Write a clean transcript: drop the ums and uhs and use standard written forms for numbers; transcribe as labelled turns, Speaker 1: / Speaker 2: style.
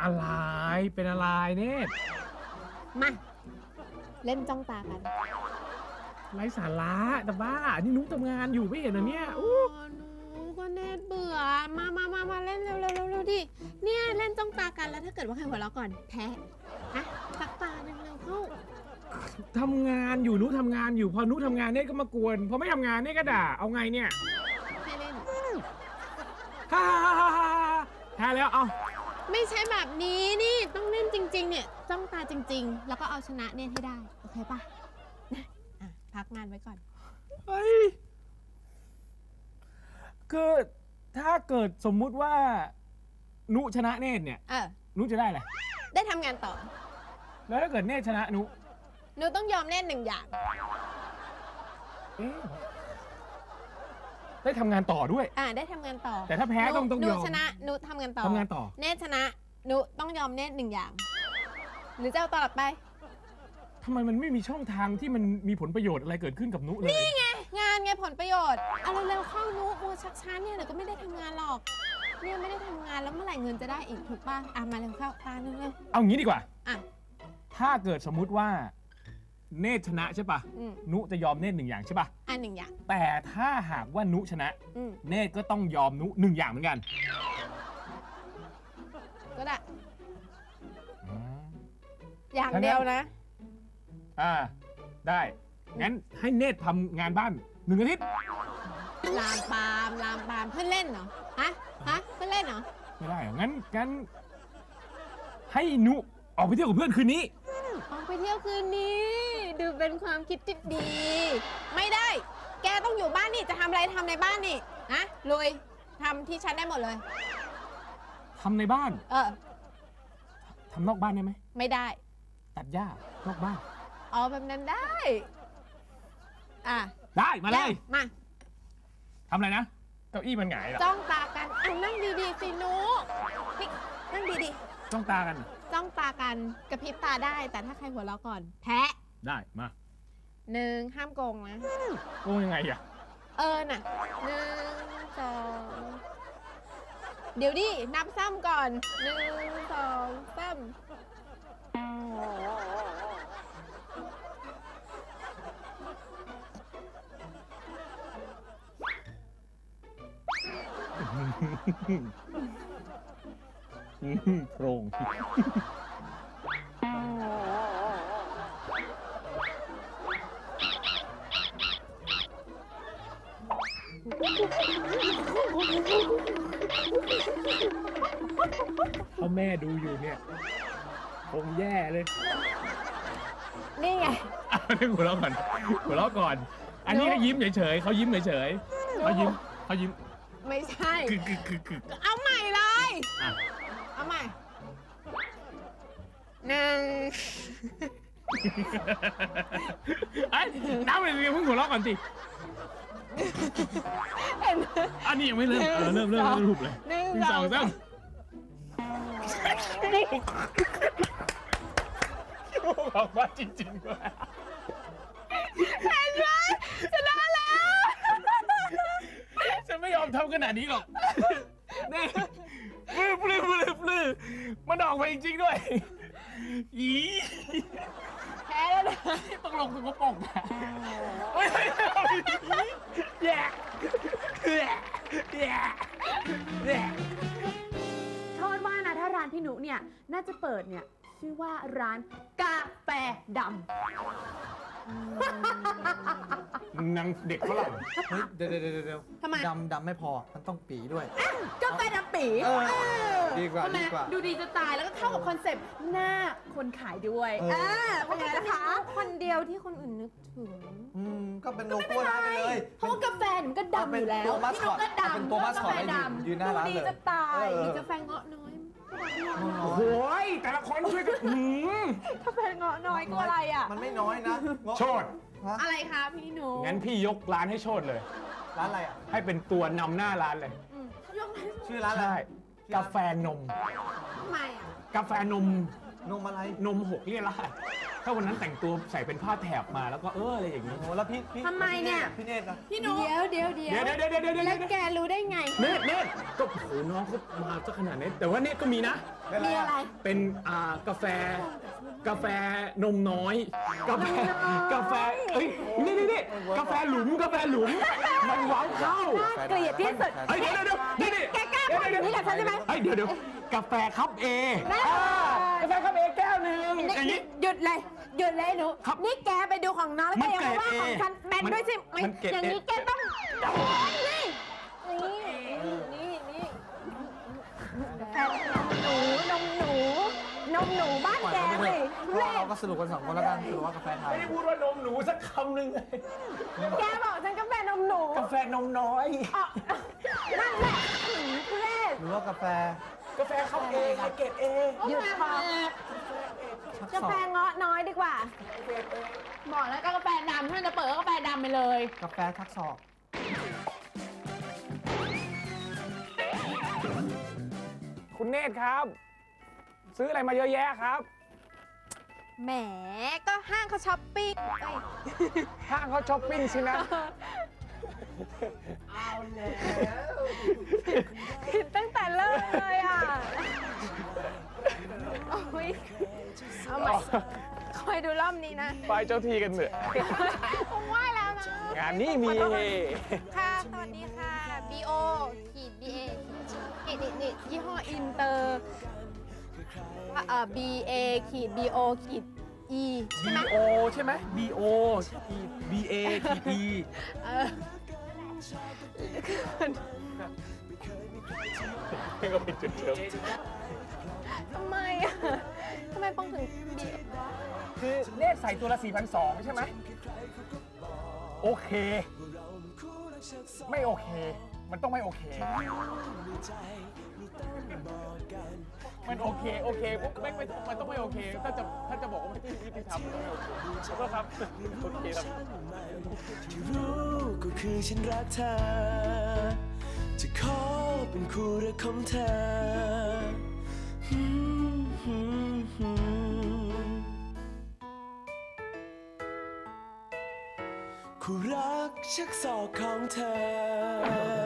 Speaker 1: อะไรเป็นอะไรเนี่ย
Speaker 2: มาเล่นจ้องตากัน
Speaker 1: ไร้สาระแต่บ้านี่นุ๊กทำงานอยู่ไม่เห็นเหรอเนี่ย
Speaker 2: หนูก็เน็ตเบื่อมาเล่นเร็วดิเนี่ยเล่นจ้องตากันแล้วถ้าเกิดว่าใครหัวเราะก่อนแพ้นะสักตาหนึ่งเร็วเข้า
Speaker 1: ทำงานอยู่นุ๊กทำงานอยู่พอนุ๊กทำงานเนี่ยก็มากวนพอไม่ทำงานเนี่ยก็ด่าเอาไงเนี่ย
Speaker 2: ให้เล่น
Speaker 1: ฮ่าแพ้แล้วเอา
Speaker 2: ไม่ใช่แบบนี้นี่ต้องเล่นจริงๆเนี่ยจ้องตาจริงๆแล้วก็เอาชนะเน่ให้ได้โอเคป่ะพักงานไว้ก่อน
Speaker 1: เฮ้ยคือถ้าเกิดสมมุติว่านุชนะเนตรเนี่ยนุจะได้อะไร
Speaker 2: ได้ทำงานต่อ
Speaker 1: แล้วถ้าเกิดเนตรชนะนุ
Speaker 2: ต้องยอมเล่นหนึ่งอย่าง
Speaker 1: ได้ทำงานต่อด้วย
Speaker 2: ได้ทำงานต่อ
Speaker 1: แต่ถ้าแพ้ต้องยอม
Speaker 2: นุชนะนุทำงานต่อเนตรชนะนุต้องยอมเนตรหนึ่งอย่างหรือจะเอาต่อไป
Speaker 1: ทำไมมันไม่มีช่องทางที่มันมีผลประโยชน์อะไรเกิดขึ้นกับนุเลย
Speaker 2: นี่ไงงานไงผลประโยชน์เอาเร็วๆเข้านุมัวชักช้าเนี่ยเดี๋ยวก็ไม่ได้ทำงานหรอกเนี่ยไม่ได้ทำงานแล้วเมื่อไหร่เงินจะได้อีกถูกป่ะมาเร็วเข้าตาหนึ่งเลย
Speaker 1: เอางี้ดีกว่าถ้าเกิดสมมุติว่าเนตรชนะใช่ป่ะนุจะยอมเนตรหนึ่งอย่างใช่ป่ะ
Speaker 2: หนึ่งอย่าง
Speaker 1: แต่ถ้าหากว่านุชนะเนตรก็ต้องยอมนุหนึ่งอย่างเหมือนกัน
Speaker 2: ก็ได้อย่างเดียวนะ
Speaker 1: ได้งั้นให้เนตรทำงานบ้าน1 อาทิตย์
Speaker 2: ลามปามเพื่อนเล่นเหรอฮะเพื่อนเล่นเหรอ
Speaker 1: ไม่ได้งั้นให้นุออกไปเที่ยวกับเพื่อนคืนนี้
Speaker 2: ออกไปเที่ยวคืนนี้ดูเป็นความคิดที่ดีไม่ได้แกต้องอยู่บ้านนี่จะทำอะไรทำในบ้านนี่นะลุยทำที่ฉันได้หมดเลย
Speaker 1: ทำในบ้านทำนอกบ้านได้ไหม
Speaker 2: ไม่ได้
Speaker 1: ตัดหญ้านอกบ้าน
Speaker 2: แบบนั้นได้
Speaker 1: ได้มาเลย
Speaker 2: มา
Speaker 1: ทำอะไรนะเก้าอี้มันหงายหรอ
Speaker 2: จ้องตากันนั่งดีๆสินุนี่นั่งดี
Speaker 1: ๆจ้องตากัน
Speaker 2: จ้องตากันกระพริบตาได้แต่ถ้าใครหัวเราะก่อนแพ้
Speaker 1: ได้มา
Speaker 2: ห้ามโกงนะ
Speaker 1: โกงยังไง
Speaker 2: น่ะ1 2เดี๋ยวดินับซ้ำก่อน1 2 3
Speaker 1: โปร่งถ้าแม่ดูอยู่เนี่ยคงแย่เลย
Speaker 2: นี่ไง
Speaker 1: นี่หัวเราะก่อนอันนี้เขายิ้มเฉยๆเขายิ้มเฉยๆเขายิ้ม
Speaker 2: ไม่ใช่เอาใหม่เลยเอาใหม่
Speaker 1: น้ำเลยเพิ่งหัวเราะก่อนสิอันนี้ยังไม่เริ่มเริ่มรูปเลย1 2 3ออกมาจริงๆด้วย
Speaker 2: เห็นไหมชนะแล้ว
Speaker 1: ฉันไม่ยอมทำขนาดนี้หรอกนี่ปลื้มมันออกมาจริงๆด้วย
Speaker 2: แพ้แล้วนะ
Speaker 1: ต้องลงถึงกระป๋องแย่
Speaker 2: โทษว่านะถ้าร้านพี่นุเนี่ยน่าจะเปิดเนี่ยชื่อว่าร้านกาแฟดำ
Speaker 1: นางเด็กฝรั่ง
Speaker 3: เฮ้ยเดี๋ยว
Speaker 2: ทำไม
Speaker 3: ดำไม่พอมันต้องปีด้วย
Speaker 2: กาแฟดำปี
Speaker 3: ดีกว่า
Speaker 2: ดูดีจะตายแล้วก็เข้ากับคอนเซ็ปต์หน้าคนขายด้วยเป็นไงนะคะคนเดียวที่คนอื่นนึกถึง
Speaker 3: ก็เป็นโลโก้ร้านไปเลย
Speaker 2: เพราะกาแฟมันก็ดำอยู่แล้ว
Speaker 3: พี่นุ๊กก็ดำ
Speaker 2: เป็น
Speaker 3: ตัวมาสคอตยืนหน้าร้านเลย
Speaker 2: ดูดีจะตายมีกาแฟเงาะน้อย
Speaker 1: โอ้ยแต่ละคนช่วยกัน
Speaker 2: กาแฟเงาะน้อยก็อะไร
Speaker 3: มันไม่น้อยนะ
Speaker 1: โชด
Speaker 2: อะไรคะพี่หนู
Speaker 1: งั้นพี่ยกร้านให้โชดเลย
Speaker 3: ร้านอะไร
Speaker 1: ให้เป็นตัวนำหน้าร้านเลย
Speaker 3: ชื่อร้านอะไร
Speaker 1: กาแฟนม
Speaker 2: ทำไม
Speaker 1: กาแฟนม
Speaker 3: อะไร
Speaker 1: นม6เรียกอะไรถ้าวันนั้นแต่งตัวใส่เป็นผ้าแถบมาแล้วก็อะไรอย่างนี้
Speaker 3: โอ้แล้วพี่
Speaker 2: ทำไมเนี่ย
Speaker 3: พี่เนตรนะ
Speaker 2: พี่หนูเดี๋ยว
Speaker 1: เดี๋ยว
Speaker 2: แล้วแกรู้ได้ไง
Speaker 1: เนตก็โหน้องเขามาซะขนาดนี้แต่ว่าเนตก็มีนะ
Speaker 2: มีอะไร
Speaker 1: เป็นกาแฟนมน้อยกาแฟเอ้ยนี่กาแฟหลุมมันว้าวเข้า
Speaker 2: เกลียดที่สุด
Speaker 1: เฮ้ยเดี๋ยวนี่
Speaker 2: แกกล้าพูดอย่างนี้กับฉันใช่ไหม
Speaker 1: เฮ้ยเดี๋ยวกาแฟคัพเอกาแฟคัพเอแก้วหนึ่งอย่างนี้
Speaker 2: หยุดเลยหนูนี่แกไปดูของน้องแล้วแกยังว่าของฉันแบนด้วยสิอย่างนี้แกต้องนี่แฟนนมหนูบ้านแกเลย
Speaker 3: เราก็สรุปกัน2 คนแล้วกันสรุปว่ากาแฟไทย
Speaker 1: ไม่ได้พูดว่านมหนูสักคำหนึ่งเลย
Speaker 2: แกบอกฉันกาแฟนมหนู
Speaker 1: กาแฟนมน้อย
Speaker 2: นั่นแหละทุเรศ
Speaker 3: หรือว่ากาแฟ
Speaker 1: คัพเอเกรดเอ
Speaker 2: หยุดพอกาแฟเงาะน้อยดีกว่า
Speaker 4: บอกแล้วก็กาแฟดำถ้าจะเปิดก็กาแฟดำไปเลย
Speaker 3: กาแฟทักศอก
Speaker 1: คุณเนตรครับ ซื้ออะไรมาเยอะแยะครับ
Speaker 2: แหมก็ห้างเขาช้อปปิ้ง
Speaker 1: ห้างเขาช้อปปิ้งใช่ไหม
Speaker 2: ผิดตั้งแต่เริ่มเลยอ่ะโอ้ยเอาใหม่คอยดูรอบนี้นะ
Speaker 1: ไปเจ้าทีกันเถอะ
Speaker 2: คงไหว้แล้วนะ
Speaker 1: งานนี้มีเฮ
Speaker 2: ค่ะ สวัสดีค่ะ BO ขีด BA นี่ยี่ห้ออินเตอร์BA ขีด BO ขีด E ใช่ไหม
Speaker 1: BO ใช่ไหม BO BA ขีด E ก็เป็นจุดเดิม
Speaker 2: ทำไมอ่ะทำไมป้องถึง BA
Speaker 1: คือเนตรใส่ตัวละ 4,200 ใช่ไหมโอเค ไม่โอเค มันต้องไม่โอเค มันโอเคปุ๊บมันต้องไม่โอเคถ้าจะบอกว่าไม่ยุติธรรมมันต้องไม่โอเคขอโทษครับโอเคครับ
Speaker 5: ที่รู้ก็คือฉันรักเธอ จะขอเป็นคู่รักของเธอ คู่รักชักศอกของเธอ